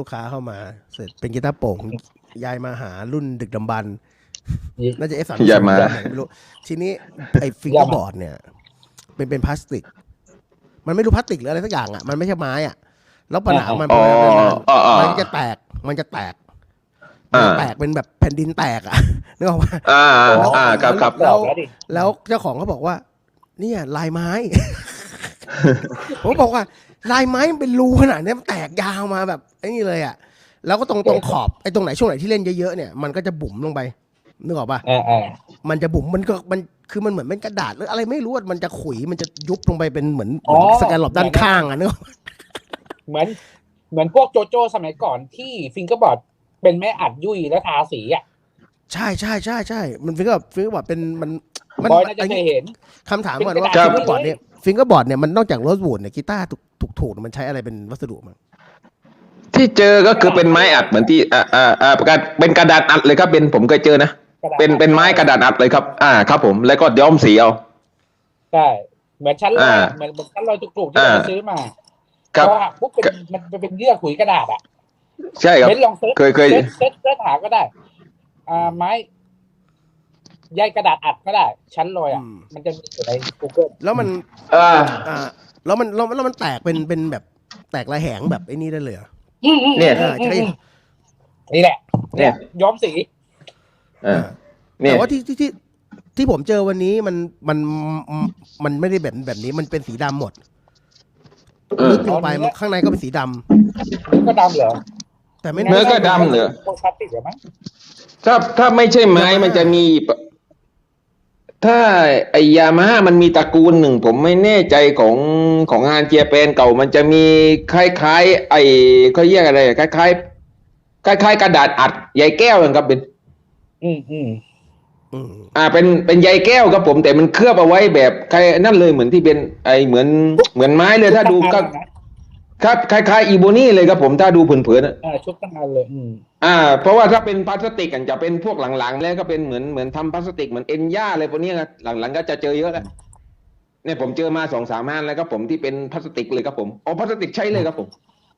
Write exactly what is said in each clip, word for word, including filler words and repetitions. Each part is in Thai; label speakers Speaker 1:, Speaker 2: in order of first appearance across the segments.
Speaker 1: กค้าเข้ามาเสร็จเป็นกีตาร์โปร่งยายมาหารุ่นดึกดำบรรพ์น่าจะ เอฟ สามสิบ
Speaker 2: อย่ามา
Speaker 1: ไม่รู้ทีนี้ไอ้ฟิงเกอร์บอร์ดเนี่ยเป็นเป็นพลาสติกมันไม่รู้พลาสติกหรืออะไรสักอย่างอ่ะมันไม่ใช่ไม้อ่ะแล้วปัญหามัน
Speaker 2: อ๋อ อ๋อ
Speaker 1: มันจะแตกมันจะแตกมันจะแตกเป็นแบบแผ่นดินแตกอ่ะนึกออกปะ
Speaker 2: อ่าอ่าครับครับ
Speaker 1: แล้วแล้วเจ้าของเขาบอกว่าเนี่ยลายไม้ ผมบอกว่าลายไม้มันเป็นรูขนาดนี้มันแตกยาวมาแบบไอ้นี่เลยอ่ะแล้วก็ตรงตรงขอบไอ้ตรงไหนช่วงไหนที่เล่นเยอะๆเนี่ยมันก็จะบุ๋มลงไปนึกออกปะมันจะบุ๋มมันก็มันคือมันเหมือนเป็นกระดาษหรืออะไรไม่รู้มันจะขุยมันจะยุบลงไปเป็นเหมือนสแกนหลบด้านข้างอ่ะนึกออก
Speaker 3: เหมือนเหมือนพวกโจโจ้สมัยก่อนที่ฟิงเกอร์บอร์ดเป็นแม่อัดยุ่ยแล้วทาสีอ่ะ
Speaker 1: ใช่ใช่ใช่ใช่มันฟิงเกอร์ฟิงเกอร์บอร์ดเป็นมัน
Speaker 3: บอยน่าจะเคยเห็น
Speaker 1: คำถามก่อนว่าฟิงเกอร์บอร์ดเนี่ยฟิงเกอร์บอร์ดเนี่ยมันนอกจากโรสวูดเนี่ยกีตาร์ถูกถูกมันใช้อะไรเป็นวัสดุมั้ง
Speaker 2: ที่เจอก็คือเป็นไม้อัดเหมือนที่อ่าอ่าอ่าเป็นกระดาษอัดเลยครับเป็นผมเคยเจอนะเป็นเป็นไม้กระดาษอัดเลยครับอ่าครับผมแล้วก็ย้อมสีเอา
Speaker 3: ใช่เหมือนชั้นลอยเหมือนชั้นลอยจุกๆที่เราซื้อมาครับปุ๊บเป็นมันเป็นเยื่อขุยกระดาษอ่ะ
Speaker 2: ใช่ครับ
Speaker 3: ลองเซิร์ช
Speaker 2: เคยเคย
Speaker 3: เซิร์ชเซิร์ชหาก็ได้อ่าไม้ใยกระดาษอัดก็ได้ชั้นลอยอ่ะมันจะมีอยู่ใน Google
Speaker 1: แล้วมันอ่าอ่าแล้วมันแล้วแล้วมันแตกเป็นเป็นแบบแตกระแหงแบบไอ้นี่ได้เลยอ่ะ
Speaker 2: เนี่ย
Speaker 1: ใช่
Speaker 3: นี่แหละเนี่ยย้อมสี
Speaker 1: แต่ว่าที่ที่ที่ที่ผมเจอวันนี้มันมันมันไม่ได้แบบแบบนี้มันเป็นสีดำหมดลึกลงไปมันข้างในก็เป็นสีดำ
Speaker 3: เนื้อก็ดำเหรอ
Speaker 1: แต่ไม่
Speaker 2: เนื้อก็ดำเหรอ
Speaker 3: พลาสติกเหรอมั้ง
Speaker 2: ถ้าถ้าไม่ใช่ไม้มันจะมีถ้าไอยามาฮ่ามันมีตระกูลหนึ่งผมไม่แน่ใจของของงานเจียแปนเก่ามันจะมีคล้ายๆไอเขาเรียกอะไรคล้ายๆคล้ายๆกระดาษอัดใยแก้วครับเป็น
Speaker 3: อืมอืม
Speaker 2: อ่าเป็นเป็นใยแก้วครับผมแต่มันเคลือบเอาไว้แบบใครนั่นเลยเหมือนที่เป็นไอเหมือนเหมือนไม้เลยถ้าดูก็ครับคล้ายๆอีโบนี่เลยครับผมถ้าดูเผินๆ
Speaker 3: อ่าชุบตั้งนานเลยอืม
Speaker 2: อ่าเพราะว่าถ้าเป็นพลาสติกกันจะเป็นพวกหลังๆแล้วก็เป็นเหมือนเหมือนทำพลาสติกเหมือนเอ็นย่าอะไรพวกนี้ครับหลังๆก็จะเจอเยอะแล้วเนี่ยผมเจอมาสองสามอันแล้วครับผมที่เป็นพลาสติกเลยครับผมอ๋อพลาสติกใช้เลยครับผม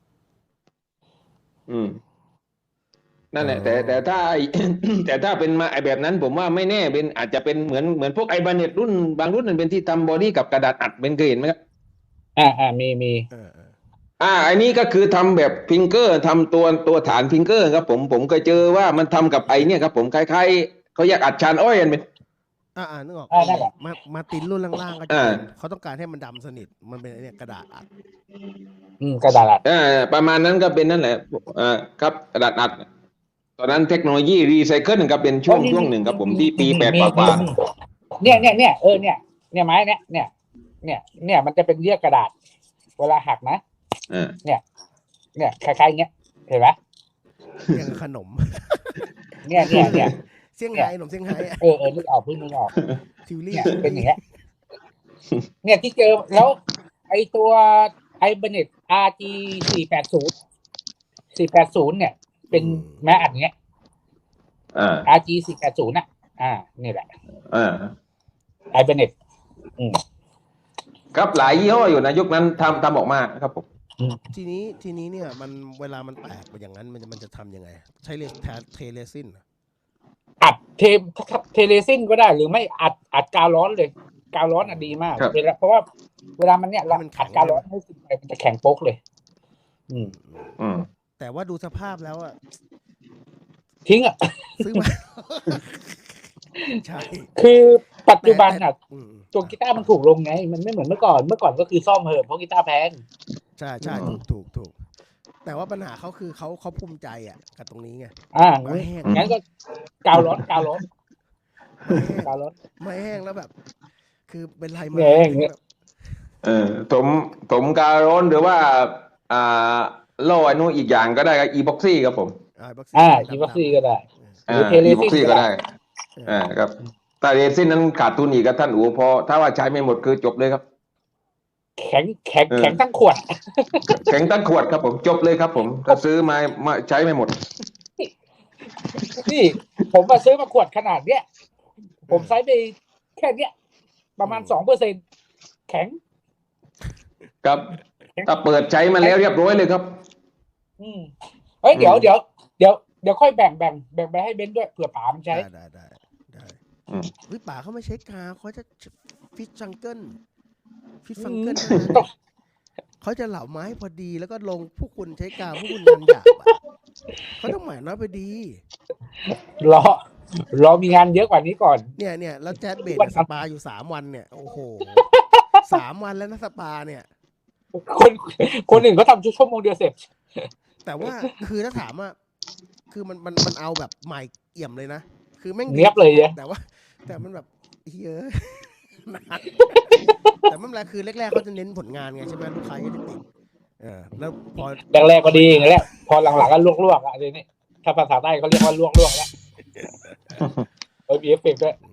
Speaker 2: อืมนั่นแหละแต่แต่ถ้าแต่ถ้าเป็นมาไอแบบนั้นผมว่าไม่แน่เป็นอาจจะเป็นเหมือนเหมือนพวกไอบาเน็ตรุ่นบางรุ่นมันเป็นที่ทำบอดี้กับกระดาษอัดเป็นเคยเห็นไหมครับ
Speaker 3: อ่าอ่ามีมี
Speaker 2: อ่าอันนี้ก็คือทำแบบฟิงเกอร์ทำตัวตัวฐานฟิงเกอร์ครับผมผมเคยเจอว่ามันทำกับไอเนี่ยครับผมคล้ายๆเขาอยากอัดชานอ้อยกันเป็น
Speaker 1: อ่าอ่านึกออกมามาตินรุ่นล่างๆก็จะเขาต้องการให้มันดำสนิทมันเป็นไอเนี่ยกระดาษอัด
Speaker 3: อืมกระดาษอัด
Speaker 2: อ่าประมาณนั้นก็เป็นนั่นแหละอ่าครับกระดาษอัดตอนนั้นเทคโนโลยีรีไซเคิลครับเป็นช่วงช่วงหนึ่งครับผมที่ปีแปดกว่า
Speaker 3: เนี่ยเนี่ยเนี่ยเออเนี่ยเนี่ยไม้เนี่ยเนี่ยเนี่ยเนี่ยมันจะเป็นเยื่อกระดาษเวลาหักนะเนี่ยเนี่ยคล้ายๆเงี้ยเห็นไหม
Speaker 1: อย่างขนม
Speaker 3: เนี่ยเนี่ยเนี่ย
Speaker 1: เซี่ยงไฮ้ขนมเซี่ยงไฮ้
Speaker 3: เออเออนึกออกเพิ่งนึกออกทิวลี่เป็นอย่างเงี้ยเนี่ยที่เจอแล้วไอตัวไอเบเน็ต อาร์ จี สี่แปดศูนย์ สี่แปดศูนย์เนี่ยเป็นแม้อัดเงี้ย
Speaker 2: อ่า
Speaker 3: อาร์ จี สี่แปดศูนย์น่ะอ่านี่แหละ
Speaker 2: อ่า
Speaker 3: ไอเบเน็ตอืม
Speaker 2: ครับหลายยี่ห้ออยู่นะยุคนั้นทำทำออกมาครับผม
Speaker 1: ทีนี้ทีนี้เนี่ยมันเวลามันแตกไปอย่างนั้นมันมันจะทำยังไงใช้เลสเทเลซิน
Speaker 3: อัดเทเทเลซินก็ได้หรือไม่อัดอัดกาวร้อนเลยกาวร้อนอ่ะดีมากเวลาเพราะว่าเวลามันเนี่ยเราอัดกาวร้อนให้สิ่งใดมันจะแข็งโป๊กเลยอืม
Speaker 2: อืม
Speaker 1: แต่ว่าดูสภาพแล้วอะ
Speaker 3: ทิ้งอ่ะ
Speaker 1: ซื้อมาใช่
Speaker 3: คือปัจจุบันอ่ะตัวกีตาร์มันถูกลงไงมันไม่เหมือนเมื่อก่อนเมื่อก่อนก็คือซ่อมเหอะเพราะกีตาร์แพง
Speaker 1: ใช่ใช่ถูกถูกถูกแต่ว่าปัญหาเขาคือเขาเขาภูมิใจอ่ะกับตรงนี้ไง
Speaker 3: อ่างั้นก็กาวร้อนกาวร้อนกาวร้อน
Speaker 1: ไม่แห้งแล้วแบบคือเป็นไรมา
Speaker 2: เออผมผมกาวร้อนหรือว่าอ่าโล่อนุอีกอย่างก็ได้ครับอีบ็อกซี่ครับผม
Speaker 3: อ่าอีบ็อกซี่ก็ได้
Speaker 2: หรือเทเลซินก็ได้อ่าครับแต่เรซินนั้นขาดทุนอีกครับท่านอู๋พอถ้าว่าใช้ไม่หมดคือจบเลยครับ
Speaker 3: แข็งแข็งแข็งตั้งขวด
Speaker 2: แข็งตั้งขวดครับผมจบเลยครับผมถ้าซื้อมามาใช้ไม่หมด
Speaker 3: นี่ผมมาซื้อมาขวดขนาดเนี้ยผมใช้ไปแค่เนี้ยประมาณสองเปอร์เซ็นต์แข็ง
Speaker 2: ครับถ้าเปิดใช้มาแล้วเรียบร้อยเลยครับ
Speaker 3: อืมเอ้ยเดี๋ยวเดี๋ยวเดี๋ยวเดี๋ยวค่อยแบ่งแบ่งแบ่งไปให้เบนซ์ด้วยเผื่อป๋ามันใช้
Speaker 1: ได้ได้ได้ได้
Speaker 2: อืม
Speaker 1: วิป่าเขาไม่ใช้กาเขาจะฟิตจังเกิลฟิตฟังเกิล
Speaker 3: อืม
Speaker 1: เขาจะเหล่าไม้พอดีแล้วก็ลงพวกคุณใช้กาพวกคุณงานหยาบอะเขาต้องหมายน้อยพอดี
Speaker 3: รอรอมีงานเยอะกว่านี้ก่อน
Speaker 1: เนี่ยเนี่ยแล้วแจ๊ดเบด
Speaker 3: วัน
Speaker 1: สปาอยู่สามวันเนี่ยโอ้โหสามวันแล้วนะสปาเนี่ย
Speaker 3: คนคนอื่นเขาทำชั่วโมงเดียวเสร็จ
Speaker 1: แต่ว่าคือถ้าถามว่าคือมันมันมันเอาแบบใหม่เอี่ยมเลยนะคือแม่งดี
Speaker 3: เนียบเลยเนี่ย
Speaker 1: แต่ว่า แต่มันแบบเยอะ นานแต่ไม่เป็นไรคือแรกๆเขาจะเน้นผลงานไงใช่ไหมลูกค้าจะได้ติดเออแล้วพอ
Speaker 3: แรกๆก็ดีอย่างนี้แหละพอหลังๆก็ลวกๆอ่ะทีนี้ถ้าภาษาใต้เขาเรียกว่าลวกๆแล้วเออมีเอฟเฟกต์ด้วย
Speaker 1: อื